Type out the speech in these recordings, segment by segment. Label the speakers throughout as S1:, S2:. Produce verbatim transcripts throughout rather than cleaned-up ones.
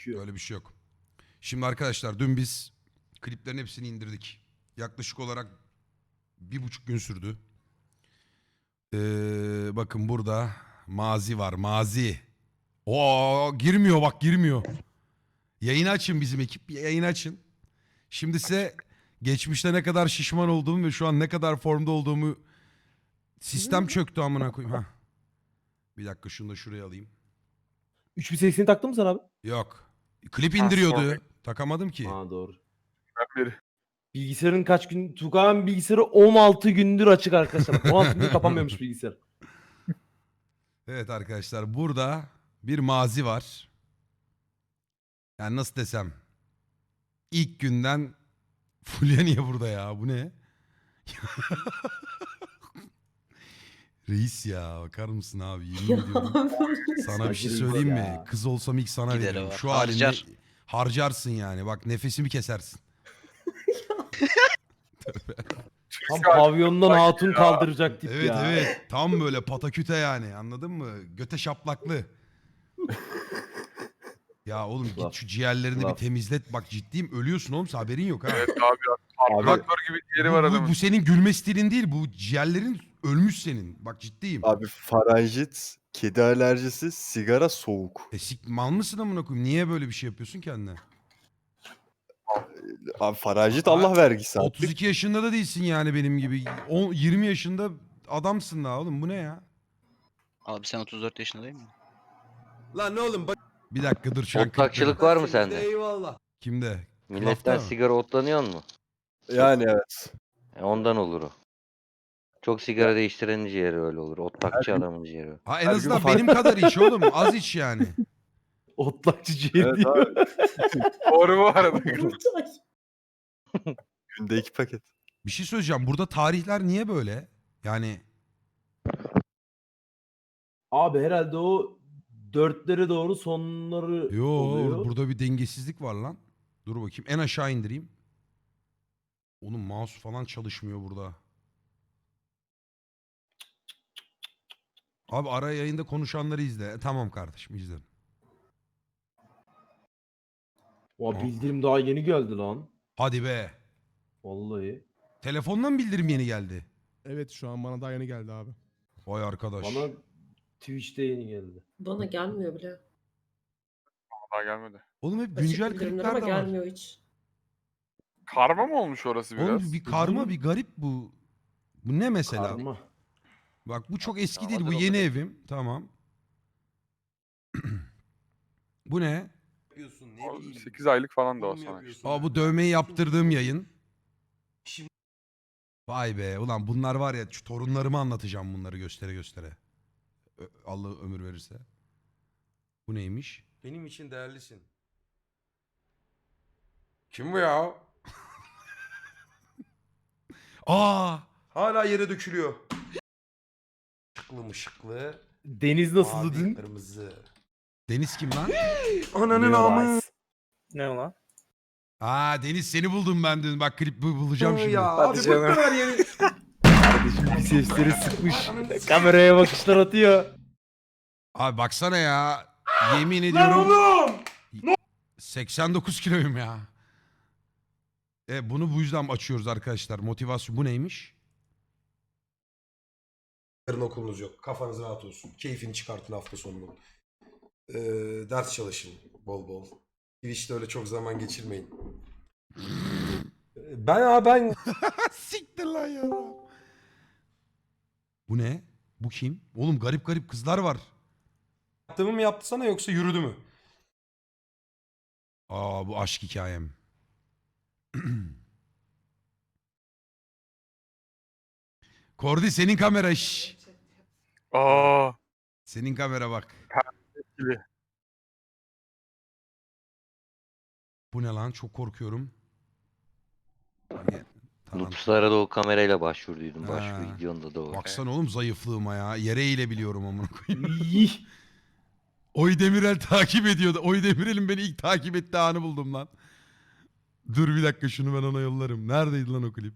S1: Öyle bir şey yok. Şimdi arkadaşlar dün biz kliplerin hepsini indirdik. Yaklaşık olarak bir buçuk gün sürdü. Ee, bakın burada mazi var, mazi. Oo, girmiyor bak, girmiyor. Yayını açın, bizim ekip yayını açın. Şimdi size geçmişte ne kadar şişman olduğumu ve şu an ne kadar formda olduğumu, sistem çöktü amına koyayım. Hah. Bir dakika, şunu da şuraya alayım.
S2: üç bin sekseni taktın mı sen abi?
S1: Yok. Klip
S3: Ha,
S1: indiriyordu.
S3: sorry.
S1: Takamadım ki.
S2: Ha doğru.
S3: Ben beri.
S2: Bilgisayarın kaç gün? Tukan bilgisayarı on altı gündür açık arkadaşlar. on altı gündür kapanmıyormuş bilgisayar.
S1: Evet arkadaşlar, burada bir mazi var. Yani nasıl desem. İlk günden Fulya niye burada ya? Bu ne? Reis ya, bakar mısın abi? Yemin ediyorum. Sana bir şey
S2: Reis
S1: söyleyeyim mi?
S2: ya.
S1: Kız olsam ilk sana
S4: Gideri
S1: veririm.
S4: var.
S1: Şu
S4: Harcar.
S1: halini harcarsın yani. Bak, nefesimi kesersin.
S2: Tam pavyondan hatun kaldıracak tip
S1: Evet
S2: ya.
S1: evet. Tam böyle pataküte yani. Anladın mı? Göte şaplaklı. Ya oğlum git
S2: Laf.
S1: şu ciğerlerini bir
S2: Laf.
S1: temizlet. Bak ciddiyim, ölüyorsun oğlum, haberin yok ha.
S3: Evet abi ya.
S2: Abi,
S3: Traktör gibi yeri var
S1: Bu, bu,
S3: adamın.
S1: bu senin gülme stilin değil. Bu ciğerlerin ölmüş senin. Bak ciddiyim.
S5: Abi faranjit, kedi alerjisi, sigara, soğuk.
S1: E sik, mal mısın amına koyayım? Niye böyle bir şey yapıyorsun kendine?
S5: Abi faranjit
S1: Aa,
S5: Allah vergisi artık.
S1: otuz iki yaşında da değilsin yani benim gibi. on, yirmi yaşında adamsın daha oğlum. Bu ne ya?
S4: Abi sen otuz dört yaşında değil mi?
S6: Lan ne oğlum bak.
S1: Bir dakika dur, şu an
S7: Otlakçılık var mı sende?
S6: Eyvallah.
S1: kimde?
S7: Milletten
S1: Klafta mı?
S7: sigara otlanıyor mu?
S5: Yani evet.
S7: E, ondan olur o. Çok sigara değiştirenin ciğeri öyle olur. Otlakçı adamın ciğeri.
S1: Ha, en
S5: Her gün
S1: azından
S5: farklı.
S1: benim kadar iç oğlum. Az iç yani.
S2: Otlakçı ciğer
S5: Evet
S2: diyor.
S5: abi.
S3: Doğru bu arada.
S5: Günde iki paket.
S1: Bir şey söyleyeceğim. Burada tarihler niye böyle? Yani
S2: Abi herhalde o dörtlere doğru sonları
S1: yo,
S2: oluyor.
S1: burada bir dengesizlik var lan. Dur bakayım. En aşağı indireyim. Oğlum mouse falan çalışmıyor burada. Abi ara yayında konuşanları izle. E, tamam kardeşim, izlerim.
S2: O bildirim daha yeni geldi lan.
S1: Hadi be.
S2: Vallahi.
S1: Telefondan bildirim yeni geldi.
S8: Evet, şu an bana daha yeni geldi abi.
S1: Vay arkadaş.
S2: Bana Twitch'te yeni geldi.
S9: Bana gelmiyor bile.
S3: Daha gelmedi.
S1: Oğlum hep
S9: Açık
S1: güncel
S9: bildirimler
S1: klipler
S9: ama
S1: de var.
S9: gelmiyor hiç.
S3: Karma mı olmuş orası biraz?
S1: Oğlum bir karma,
S3: Bilmiyorum.
S1: bir garip bu. Bu ne mesela?
S2: Karma.
S1: Bak bu çok eski
S4: Ya,
S1: değil. Bu
S4: vardır o
S1: yeni
S4: kadar.
S1: evim. Tamam. Bu ne?
S6: Yapıyorsun ne
S3: O
S6: bileyim.
S3: sekiz aylık falan da o
S6: Oğlum
S3: sana.
S6: yapıyorsun.
S1: Aa, bu dövmeyi yaptırdığım yayın.
S6: Şimdi-
S1: Vay be. Ulan bunlar var ya, şu torunlarıma anlatacağım bunları göstere göstere. Ö- Allah ömür verirse. Bu neymiş?
S6: Benim için değerlisin. Kim bu ya?
S1: Aa!
S6: Hala yere dökülüyor. Işıklı mışıklı.
S2: Deniz nasıldı
S6: mavi,
S2: dün?
S6: Kırmızı.
S1: Deniz kim lan?
S6: Ananın amı.
S2: Ne lan?
S1: Aa, Deniz, seni buldum ben dün. Bak klip bu- bulacağım şimdi.
S6: Ya abi bıktım her yeri.
S2: Kardeşim bir sesleri sıkmış. Kameraya bakışlar atıyor.
S1: Abi baksana ya. Yemin
S6: Lan
S1: ediyorum.
S6: oğlum.
S1: seksen dokuz kiloyum ya. E, bunu bu yüzden açıyoruz arkadaşlar. Motivasyon bu neymiş?
S6: Yarın okulunuz yok. Kafanız rahat olsun. Keyfini çıkartın hafta sonunun. Ee, ders çalışın bol bol. Twitch'te öyle çok zaman geçirmeyin. Ee, Ben abi ben
S1: Siktir lan ya. Bu ne? Bu kim? Oğlum garip garip kızlar var.
S6: yaptığımı mı yaptı sana yoksa yürüdü mü?
S1: Aa, bu aşk hikayem. Kordi, senin kamera şş.
S3: Aa,
S1: Senin kamera bak.
S3: gibi.
S1: Bu ne lan? Çok korkuyorum. Hani, tamam.
S7: Nupslara da o kamerayla başvurduydum.
S1: Ha.
S7: Başvuru videonda da o.
S1: Baksana oğlum zayıflığıma ya. Yere eğilebiliyorum amına koyayım.
S2: İyi.
S1: Oy Demirel takip ediyordu. Oy Demirel'in beni ilk takip ettiği anı buldum lan. Dur bir dakika, şunu ben ona yollarım. Neredeydi lan o klip?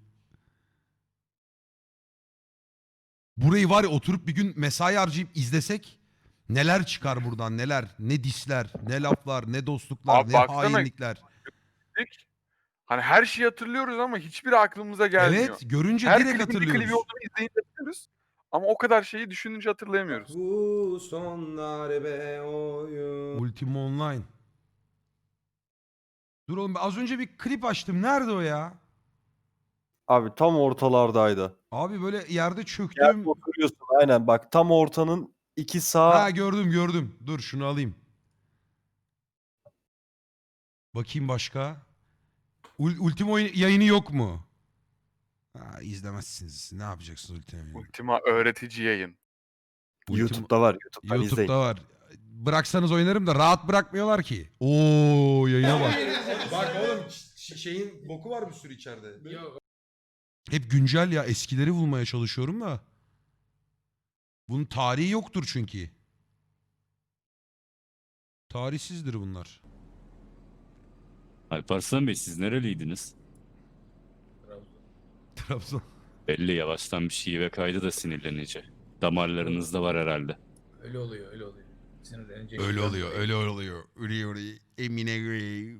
S1: Burayı var ya, oturup bir gün mesai harcayıp izlesek Neler çıkar buradan neler. Ne disler, ne laflar, ne dostluklar,
S3: Abi
S1: ne
S3: baksana-
S1: hainlikler.
S3: Dik. Hani her şeyi hatırlıyoruz ama hiçbiri aklımıza gelmiyor.
S1: Evet görünce
S3: Her
S1: direkt
S3: klibin bir klibi
S1: hatırlıyoruz.
S3: olduğunu izleyince hatırlıyoruz. Ama o kadar şeyi düşününce hatırlayamıyoruz.
S6: Bu sonlar be oyun.
S1: Ultima Online. Dur oğlum az önce bir klip açtım. Nerede o ya?
S5: Abi tam ortalardaydı.
S1: Abi böyle yerde
S5: Gel
S1: çöktüm.
S5: oturuyorsun aynen bak tam ortanın iki sağ.
S1: Ha gördüm gördüm. Dur şunu alayım. Bakayım başka. Ul- Ultima oyun- yayını yok mu? Ha, izlemezsiniz. Ne yapacaksınız Ultima yayını?
S3: Ultima öğretici yayın.
S1: Ultima-
S5: YouTube'da var. YouTube'dan
S1: YouTube'da
S5: izleyin.
S1: var. Bıraksanız oynarım da rahat bırakmıyorlar ki. Oo yayına bak.
S6: Bak oğlum ş- şeyin boku var bir sürü içeride.
S1: Hep güncel ya. Eskileri bulmaya çalışıyorum da. Bunun tarihi yoktur çünkü. Tarihsizdir bunlar.
S9: Alparslan Bey siz nereliydiniz?
S1: Trabzon.
S9: Belli yavaştan bir şive kaydı da sinirlenici. Damarlarınızda var herhalde.
S10: Öyle oluyor, öyle oluyor. Sinirlenince
S1: Öyle oluyor, öyle oluyor. Öyle oluyor. Emine göre.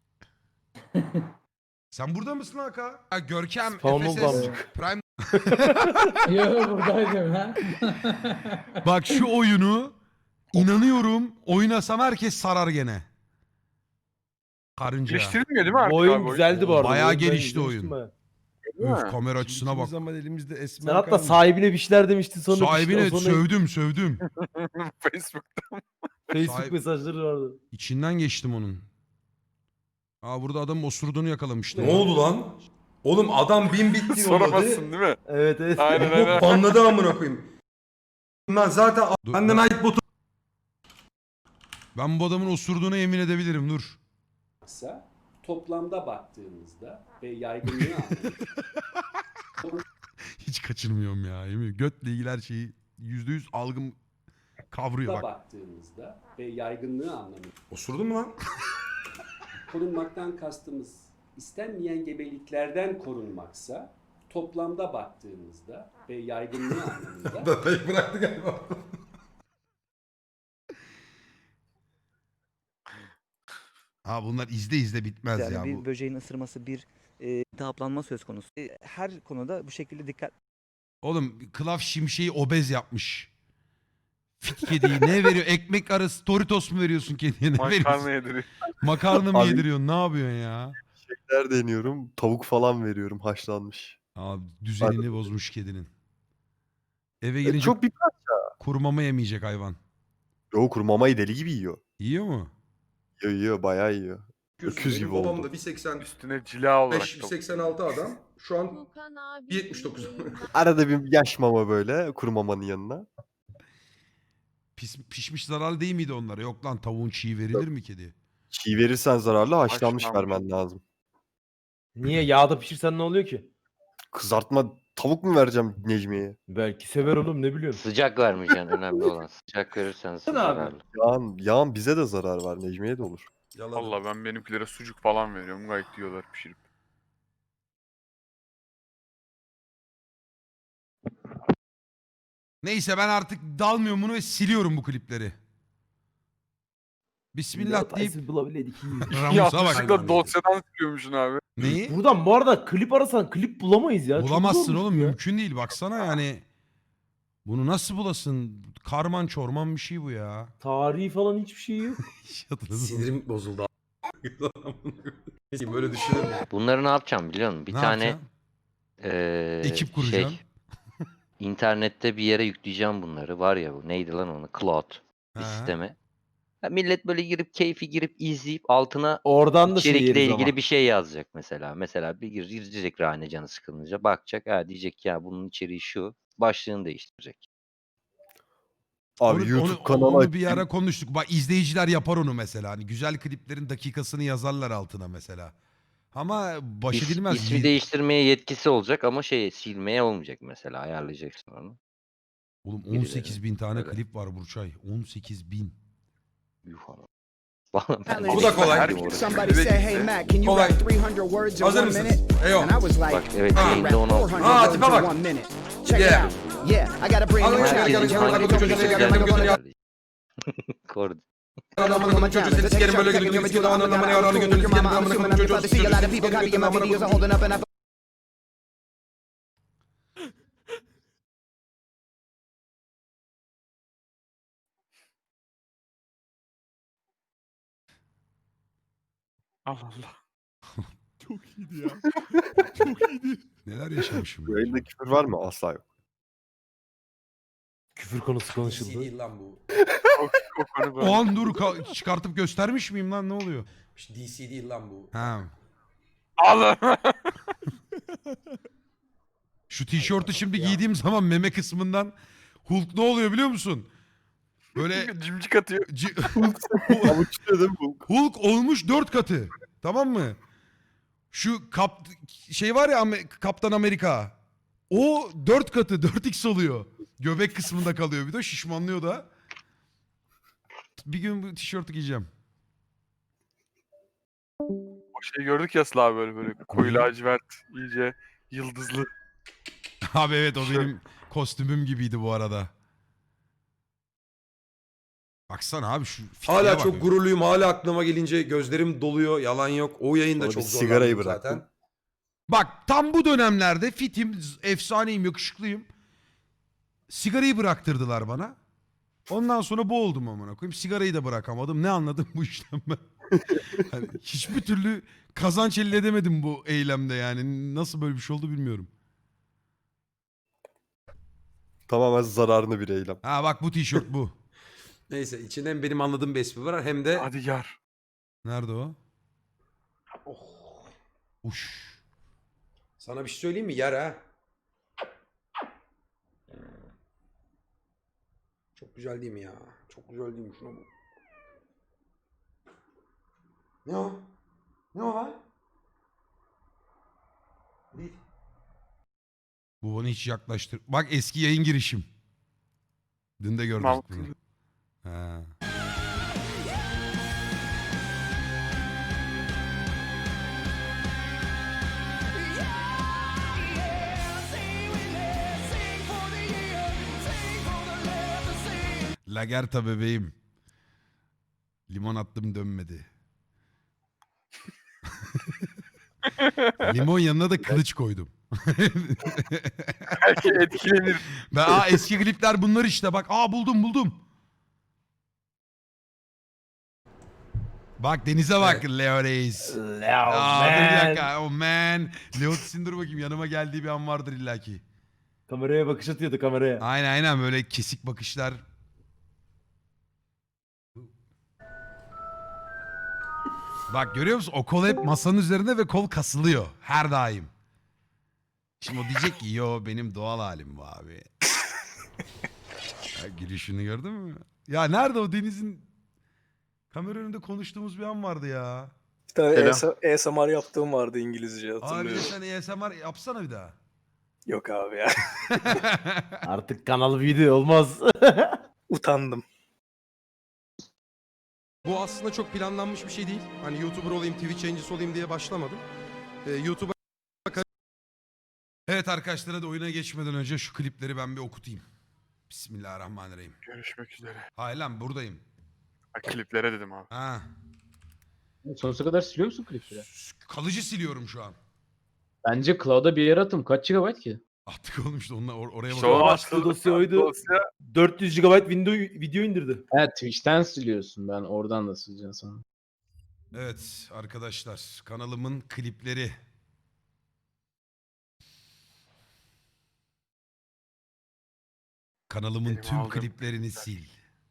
S1: Sen burada mısın Haka? Ha, Görkem,
S2: Spawn
S1: F S S,
S2: oldu
S1: Prime.
S10: Yok buradaydım ha.
S1: Bak şu oyunu inanıyorum oynasam herkes sarar gene. Karınca.
S3: Geliştirilmiyor değil mi artık
S2: Bu oyun
S3: abi o
S2: güzeldi bu arada.
S1: Bayağı
S2: Bu oyunu ben
S1: gelişti
S2: izlemiştim
S1: oyun.
S2: ha.
S3: Değil
S1: Öf
S3: mi?
S1: kamera açısına bak.
S8: Zaman elimizde esmer
S2: Sen hatta
S8: kalmış.
S2: sahibine bir şeyler demiştin sonra. bir
S1: Sahibine
S2: şeyler- sonra
S1: sövdüm sövdüm.
S3: Facebook.
S2: Facebook
S1: Sahip-
S2: mesajları vardı.
S1: İçinden geçtim onun. Aa burada adamın osurduğunu yakalamıştım.
S6: Ne oldu lan? Oğlum adam bin bitti yolladı.
S3: Soramazsın değil mi?
S2: Evet evet.
S3: Aynen
S6: Bu
S3: aynen.
S6: banladı amına koyayım. Lan zaten
S1: Dur,
S6: benden
S1: ben-
S6: ait botu.
S1: Ben bu adamın osurduğuna yemin edebilirim dur.
S11: Toplamda baktığımızda ve yaygınlığı anlamında
S1: Hiç kaçırmıyorum ya. Yemin götle ilgili her şeyi yüzde yüz algım kavruyor bak.
S11: baktığımızda ve yaygınlığı anlamında
S6: Osurdun mu lan?
S11: korunmaktan kastımız istenmeyen gebeliklerden korunmaksa toplamda baktığımızda ve yaygınlığı anlamında
S6: Datayı bıraktı galiba.
S1: Ha bunlar izle izle bitmez
S12: Yani
S1: ya
S12: bir
S1: bu.
S12: böceğin ısırması, bir e, iltihaplanma söz konusu. E, her konuda bu şekilde dikkat
S1: Oğlum Klaf Şimşek'i obez yapmış. Fit kediyi ne veriyor? Ekmek arası Doritos mu veriyorsun kediye? Ne
S3: Makarna
S1: veriyorsun?
S3: yediriyor.
S1: Makarna mı
S5: Abi-
S1: yediriyorsun? Ne yapıyorsun ya?
S5: Şeker deniyorum. Tavuk falan veriyorum haşlanmış.
S1: Abi düzenini bozmuş kedinin. Eve gelince
S5: Çok bir
S1: kuru mama yemeyecek hayvan.
S5: Yo kuru mamayı deli gibi yiyor.
S1: Yiyor mu?
S5: Yiyor yiyor bayağı yiyor. Öküz gibi
S6: Benim babam
S5: oldu.
S6: da bir seksen beş,
S3: Üstüne cila olarak.
S6: bir seksen altı adam. Şu an bir yetmiş dokuz.
S5: Arada bir yaş mama böyle kuru mamanın yanına.
S1: Pis, pişmiş zararlı değil miydi onlara? Yok lan tavuğun çiğ verilir mi kediye?
S5: Çiğ verirsen zararlı haşlanmış
S3: Haşlanmış.
S5: vermen lazım.
S2: Niye yağda pişirsen ne oluyor ki?
S5: Kızartma tavuk mu vereceğim Necmiye'ye?
S2: Belki sever oğlum ne biliyorsun.
S7: Sıcak vermeyeceksin önemli olan. Sıcak verirsen
S2: Sen abi.
S7: zararlı.
S5: Yağın, yağın bize de zarar var Necmiye'ye de olur.
S6: Yalan.
S3: Valla ben benimkilere sucuk falan veriyorum. Gayet yiyorlar pişirip.
S1: Neyse ben artık dalmıyorum bunu ve siliyorum bu klipleri. Bismillah deyip
S2: Tyson bulabileydik.
S1: Ramus'a bak.
S3: Yanlışlıkla dosyadan siliyormuşsun abi.
S1: Neyi?
S2: Buradan bu arada klip arasan klip bulamayız ya. Çok
S1: Bulamazsın
S2: zormuş
S1: oğlum
S2: ya.
S1: mümkün değil. Baksana yani. Bunu nasıl bulasın? Karman çorman bir şey bu ya.
S2: Tarihi falan hiçbir şey yok.
S1: Hatırladın mı?
S6: Sinirim bozuldu. Neyse böyle düşünür mü?
S7: Bunları ne yapacağım biliyor musun? Bir
S1: Ne
S7: tane
S1: yapacaksın?
S7: eee,
S1: Ekip kuracaksın.
S7: Şey, internette bir yere yükleyeceğim bunları. Var ya bu neydi lan onu? Cloud bir
S1: He.
S7: sisteme. Ya millet böyle girip keyfi girip izleyip altına
S2: Oradan da şey
S7: içerikle
S2: yeriz
S7: ilgili
S2: ama.
S7: bir şey yazacak mesela. Mesela bir gir- girecek Rane canı sıkılınca bakacak. Ha diyecek ya bunun içeriği şu. Başlığını değiştirecek.
S5: Abi
S1: Onu-
S5: YouTube
S1: onu,
S5: kanalı
S1: onu bir
S5: açayım.
S1: ara konuştuk. Bak izleyiciler yapar onu mesela. Hani güzel kliplerin dakikasını yazarlar altına mesela. Ama baş
S7: İs-
S1: edilmez.
S7: ismi
S1: Yi-
S7: değiştirmeye yetkisi olacak ama şey silmeye olmayacak mesela. Ayarlayacaksın onu.
S1: Oğlum
S7: birileri.
S1: on sekiz bin tane
S7: Öyle.
S1: klip var Burçay. on sekiz bin.
S7: Yuh ama. Vallahi ben
S6: Bu da kolay.
S7: Herkes orada.
S3: Somebody said, "Hey, Mac,
S6: can you write three
S11: hundred words
S6: Hazır mısınız? Eyo.
S7: Bak evet
S6: Ah.
S7: yayında onu al.
S6: Aa tipe bak.
S11: Check
S6: Yeah.
S11: Yeah, I got a brand
S6: Al
S11: new
S6: gel, gel,
S11: track.
S6: gel, gel,
S7: Herkesin
S6: gel,
S7: hangi
S6: gel, gel,
S7: video
S6: gel, gel,
S7: güzel
S6: gel, gel,
S7: bir
S6: gel.
S7: ayarlayacak. Kord.
S6: Anamın çocuğu seni sikerim böyle gülüm gibi sikerim ananın amına yaranı gönlünü sikerim amına koyayım çocuğu sikerim amına koyayım.
S3: Allah Allah.
S8: Çok iyiydi ya. Çok iyiydi.
S1: Neler yaşamışım.
S5: Bu
S1: ben.
S5: yayında küfür var mı? Asla yok.
S2: Küfür konusu
S6: D C
S2: konuşuldu.
S6: değil lan bu.
S3: O, o konu böyle.
S1: O an dur ka- çıkartıp göstermiş miyim lan ne oluyor?
S6: D C değil lan bu.
S1: Ha.
S3: Allah.
S1: Şu tişörtü şimdi
S6: ya.
S1: giydiğim zaman meme kısmından Hulk ne oluyor biliyor musun? Böyle
S3: Cimcik atıyor.
S1: ci-
S5: Avuç dedim bu.
S1: Hulk olmuş dört katı. Tamam mı? Şu kap şey var ya Amer- Kaptan Amerika. O dört katı dört x oluyor. Göbek kısmında kalıyor bir de şişmanlıyor da. Bir gün bu tişörtü giyeceğim.
S3: O şeyi gördük ya Sıla abi böyle böyle koyu lacivert iyice yıldızlı.
S1: Abi evet o
S3: Tişört.
S1: benim kostümüm gibiydi bu arada. Baksana abi şu fitliğe
S6: Hala
S1: bak.
S6: çok gururluyum. Hala aklıma gelince gözlerim doluyor. Yalan yok. O yayında
S5: Sonra
S6: çok
S5: bir
S6: zorlandım
S5: sigarayı
S6: zaten.
S5: bıraktım.
S1: Bak tam bu dönemlerde fitim, z- efsaneyim, yakışıklıyım. Sigarayı bıraktırdılar bana. Ondan sonra bu oldum amına koyayım. Sigarayı da bırakamadım. Ne anladım bu işten ben? Hani hiçbir türlü kazanç elde edemedim bu eylemde yani. Nasıl böyle bir şey oldu bilmiyorum.
S5: Tamamen zararını bir eylem.
S1: Ha bak bu tişört bu.
S6: Neyse içinde hem benim anladığım bir espri var hem de...
S3: Hadi yar.
S1: Nerede o?
S6: Oh,
S1: Uş.
S6: sana bir şey söyleyeyim mi? Yer ha. Çok güzel değil mi ya? Çok güzel değil mi? Şuna bak. Ne o? Ne o lan? Değil.
S1: Bu bana hiç yaklaştır. Bak eski yayın girişim. Dün de gördük
S3: Mal-
S1: bunu. Ha. Lagerta bebeğim. Limon attım dönmedi. Limon yanına da kılıç koydum.
S3: Belki etkilenir.
S1: Ben, aa, eski klipler bunlar işte bak. Aa buldum buldum. Bak denize bak Leo Reis.
S2: Leo
S1: Aa, dur bir
S2: man.
S1: dakika. Oh man. Leo Tsin dur bakayım yanıma geldiği bir an vardır illaki.
S2: Kameraya bakış atıyordu kameraya.
S1: Aynen aynen böyle kesik bakışlar. Bak görüyor musun? O kol hep masanın üzerinde ve kol kasılıyor. Her daim. Şimdi o diyecek ki yo benim doğal halim bu abi. Ya, gülüşünü gördün mü? Ya nerede o Deniz'in kamera önünde konuştuğumuz bir an vardı ya.
S10: Bir tane
S5: Selam.
S10: A S M R yaptığım vardı İngilizce
S1: Abi
S10: hatırlıyorum.
S1: sen A S M R yapsana bir daha.
S10: Yok abi ya.
S2: Artık kanal video olmaz.
S10: Utandım.
S6: Bu aslında çok planlanmış bir şey değil. Hani YouTuber olayım, Twitch yayıncısı olayım diye başlamadım. Ee, YouTube'a
S1: Evet arkadaşlar hadi oyuna geçmeden önce şu klipleri ben bir okutayım. Bismillahirrahmanirrahim.
S3: Görüşmek üzere.
S1: Hayır lan buradayım.
S3: Ha, kliplere dedim abi.
S1: Ha.
S10: Sonsuza kadar siliyor musun klipleri?
S1: Kalıcı siliyorum şu an.
S10: Bence cloud'a bir yere atım. Kaç gigabayt ki?
S1: Attık oğlum işte onunla or- oraya
S3: İşte
S1: bakalım.
S3: o
S2: Açtığı
S3: açtığı
S2: dosya oydu.
S3: Dosya
S2: dört yüz gigabayt video, video indirdi.
S10: Evet Twitch'ten siliyorsun. Ben oradan da sileceğim sana.
S1: Evet arkadaşlar kanalımın klipleri. Kanalımın
S3: Benim
S1: tüm
S3: aldığım
S1: kliplerini sil.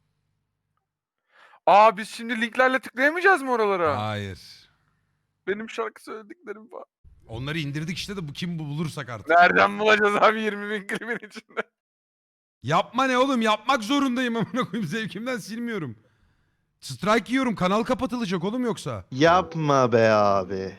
S3: Aa biz şimdi linklerle tıklayamayacağız mı oralara?
S1: Hayır.
S3: Benim şarkı söylediklerim falan.
S1: Onları indirdik işte de bu kim bu bulursak artık.
S3: Nereden bulacağız abi yirmi bin klibin içinde?
S1: Yapma ne oğlum yapmak zorundayım amına koyayım zevkimden silmiyorum. Strike yiyorum kanal kapatılacak oğlum yoksa.
S5: Yapma be abi.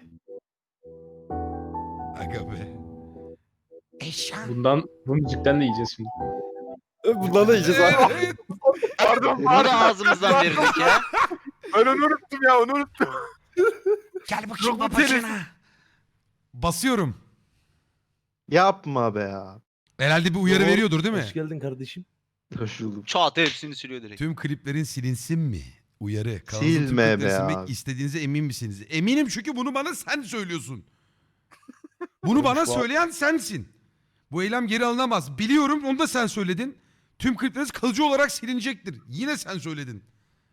S1: Aga be. Eşan.
S10: Bundan, bu müzikten de yiyeceğiz şimdi.
S5: Bundan da yiyeceğiz abi.
S1: Evet.
S3: Pardon
S4: Bunu
S3: pardon.
S4: da ağzımızdan verirdik ya.
S3: Ben onu unuttum ya onu unuttum.
S1: Gel bakayım
S3: Yok, bu
S1: babacığına. Basıyorum.
S5: Yapma be abi.
S1: Herhalde bir uyarı
S2: Oo,
S1: veriyordur değil mi?
S2: Hoş geldin kardeşim.
S10: Taşıldım.
S4: Çat hepsini siliyor direkt.
S1: Tüm kliplerin silinsin mi? Uyarı. Kanalınızın tüm
S5: Silme
S1: klipleri
S5: be
S1: silmek
S5: abi.
S1: istediğinize emin misiniz? Eminim çünkü bunu bana sen söylüyorsun. Bunu bana söyleyen sensin. Bu eylem geri alınamaz. Biliyorum, onu da sen söyledin. Tüm klipleriniz kalıcı olarak silinecektir. Yine sen söyledin.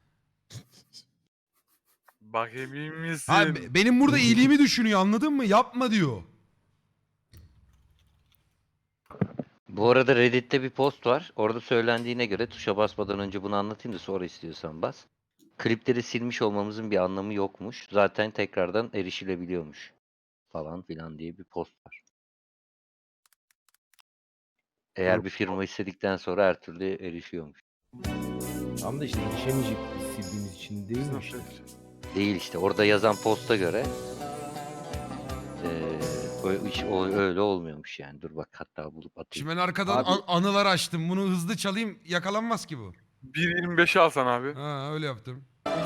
S3: Bak emin misin?
S1: Ha, be- benim burada iyiliğimi düşünüyor, anladın mı? Yapma diyor.
S7: Bu arada Reddit'te bir post var. Orada söylendiğine göre tuşa basmadan önce bunu anlatayım da sonra istiyorsan bas. Klipleri silmiş olmamızın bir anlamı yokmuş. Zaten tekrardan erişilebiliyormuş. Falan filan diye bir post var. Eğer bir firma istedikten sonra her türlü erişiyormuş.
S2: Tam da işte erişemeyecek biz sildiğimiz için değil mi işte?
S7: Değil işte. Orada yazan posta göre eee, o, iş- o öyle olmuyormuş yani. Dur bak hatta bulup atayım.
S1: Şimdi ben arkadan
S2: Abi-
S1: an- anılar açtım. Bunu hızlı çalayım, yakalanmaz ki bu.
S3: bir yirmi beşi alsan abi.
S1: Ha, öyle yaptım.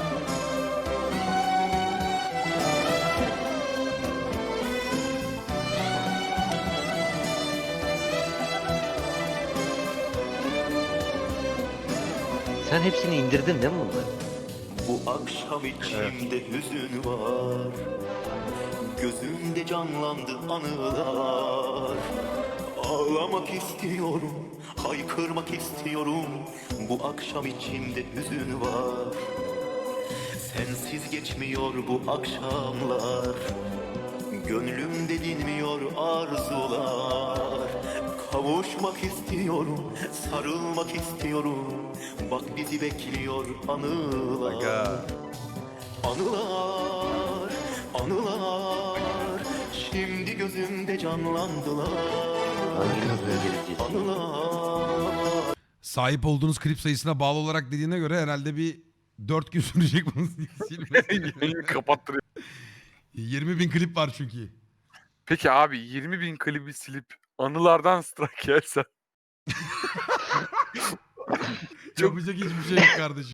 S7: Sen hepsini indirdin değil mi bunları?
S13: Bu akşam içimde hüzün var. Gözümde canlandı anılar. Ağlamak istiyorum, haykırmak istiyorum. Bu akşam içimde hüzün var. Sensiz geçmiyor bu akşamlar. Gönlümde dinmiyor arzular. Kavuşmak istiyorum, sarılmak istiyorum. Bak bizi bekliyor anılar.
S5: Aga.
S13: Anılar, anılar. Şimdi gözümde canlandılar.
S7: Hanginiz İngilizcesi?
S13: Anılar.
S1: Sahip olduğunuz klip sayısına bağlı olarak dediğine göre herhalde bir dört gün sürecek bunu silmesi.
S3: Yayını kapattırıyor.
S1: yirmi bin klip var çünkü.
S3: Peki abi yirmi bin klibi silip anılardan strike yersen.
S1: Yapacak hiçbir şey yok kardeşim.